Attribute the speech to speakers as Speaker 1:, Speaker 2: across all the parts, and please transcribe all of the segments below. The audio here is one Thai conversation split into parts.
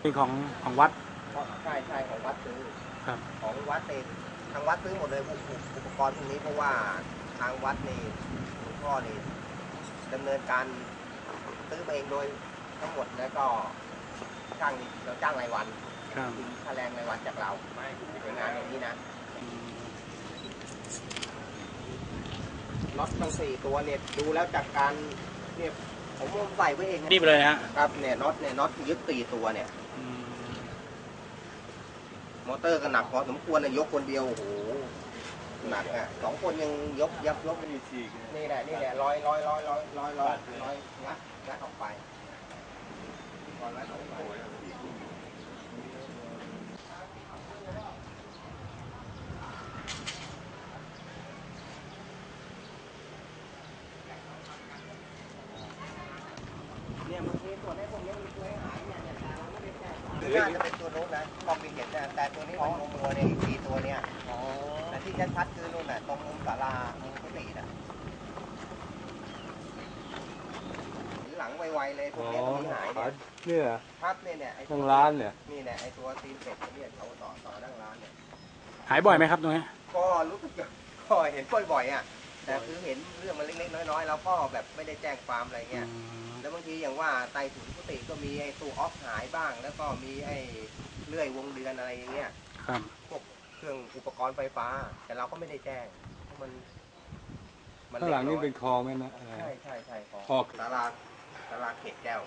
Speaker 1: เป็นของวัด
Speaker 2: ใช่ของวัดซื้อ
Speaker 1: ครับ
Speaker 2: ของวัดเองทางวัดซื้อหมดเลยอุปกรณ์พวกนี้เพราะว่าทางวัดนี่หลวงพ่อนี่ดำเนินการซื้อมาเองโดยทั้งหมดแล้วก็เราจ้างรายวันกินค่าแรงรายวันจากเราในงานอย่างนี้นะน็อตทั้ง4 ตัวเนี่ยดูแล้วจากการเนี่ยผมใส่ไว้เอง
Speaker 1: นี่ไปเลยฮะ
Speaker 2: ครับเนี่ยน็อตยึด4 ตัวเนี่ยมอเตอร์ก็หนักพอสมควรนะยกคนเดียวโอ้โหหนักอ่ะ2 คนยังยกนี่แหละร้อยงัดออกไปเนี่ยมันมีส่วนให้พวกนี้มีตัวให้หายเนี่ยแต่เราไม่ได้แจ้งน่าจะเป็นตัวโน้นนะมองไปเห็นแต่ตัวนี้มันมัวเนี่ยอีก4 ตัวเนี่ยแต่ที่ชัดๆคือนู่นน่ะตรงมุมศาลามุมกุฏิน่ะหลังไวๆเลยพวกนี้ต้องมีหาย
Speaker 3: เนี่ย
Speaker 2: ครับเนี่ยไอ้
Speaker 3: ทางร้านเนี่ย
Speaker 2: นี่เนี่ยไอ้ตัวตีนเป็ดเนี่ยเขาต่อนั่งร้านเนี่ย
Speaker 1: หายบ่อยไหมครับตรงนี้
Speaker 2: ก็รู้สึกก็เห็นบ่อยๆอ่ะแต่คือเห็นเรื่องมันเล็กๆน้อยๆแล้วก็แบบไม่ได้แจ้งความอะไรเงี้ยแล้วบางทีอย่างว่าใต้ถุนกุฏิก็มีไอ้ตู้ออฟหายบ้างแล้วก็มีไอ้เลื่อยวงเดือนอะไรอย่างเงี้ย
Speaker 1: ครับ
Speaker 2: พวกเครื่องอุปกรณ์ไฟฟ้าแต่เราก็ไม่ได้แจ้งเพราะมัน
Speaker 3: ข้างหลังนี่เป็นคลองไหมนะ
Speaker 2: ใช่
Speaker 3: คลอง
Speaker 2: ศาลาเขตแก้ว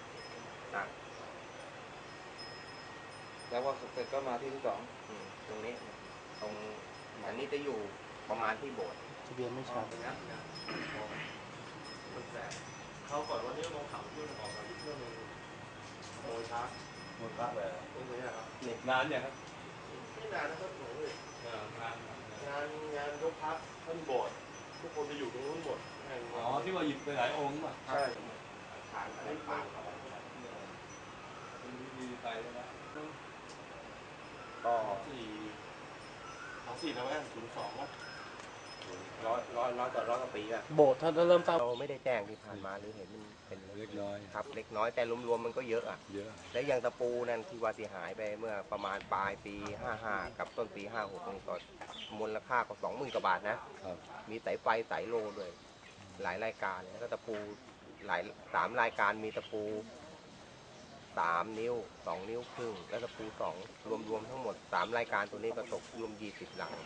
Speaker 3: แล้วพอเสร็จก็มาที่2
Speaker 2: ตรงนี้ตรงอันนี้จะอยู่ประมาณที่โบสถ์
Speaker 1: ทะเบียนไม่ชัด
Speaker 4: เขาก่อนวันนี้ลงเขาที่มันออกมาที่เพื่อนมึงโมยพักเลยตรงนี้ครับ
Speaker 3: นานอย่างครับ
Speaker 4: ไม่นานนะครับหนูเลยงานยกพักท่านโบสถ์ทุกคนจะอยู่ตรงนู้นหมด
Speaker 3: ที่ว่าหยิบไปหลายองค์ป่ะ
Speaker 4: ใช่
Speaker 2: ผ่านอะไรผ่าน
Speaker 3: มีไปแล้ว
Speaker 2: ก็
Speaker 4: 4นะแม่02นะ
Speaker 2: ร้อยกว่าปีอะ
Speaker 1: โบสถ์ถ้าเริ่มสร้าง
Speaker 2: เราไม่ได้แจ้งที่ผ่านมาหรือเห็นมันเป็น
Speaker 3: เล็กน้อย
Speaker 2: ครับเล็กน้อยแต่รวมๆมันก็เยอะอ่ะและอย่างตะปูนั่นที่ว่าเสียหายไปเมื่อประมาณปลายปี55กับต้นปี56นี่ก็มูลค่าก็20,000 กว่าบาทนะมีสายไฟสายโลด้วยหลายรายการแล้วก็ตะปู3 รายการมีตะปู3 นิ้ว2 นิ้วครึ่งแล้วตะปู2รวมทั้งหมด3 รายการตัวนี้ก็ตกรวม20 หลัง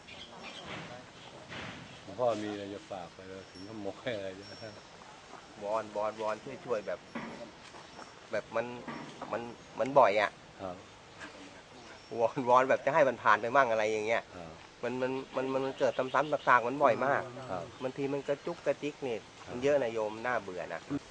Speaker 3: หลวงพ่อมีอะไรจะฝากไปถึงขโมยอะไร
Speaker 2: วอนช่วยแบบมันบ่อยอ่ะวอนแบบจะให้มันผ่านไปมั่งอะไรอย่างเงี้ยมันเกิดซ้ำๆซากๆมันบ่อยมากบางทีมันกระจุกกระจิกนี่มันเยอะนะโยมน่าเบื่อนะ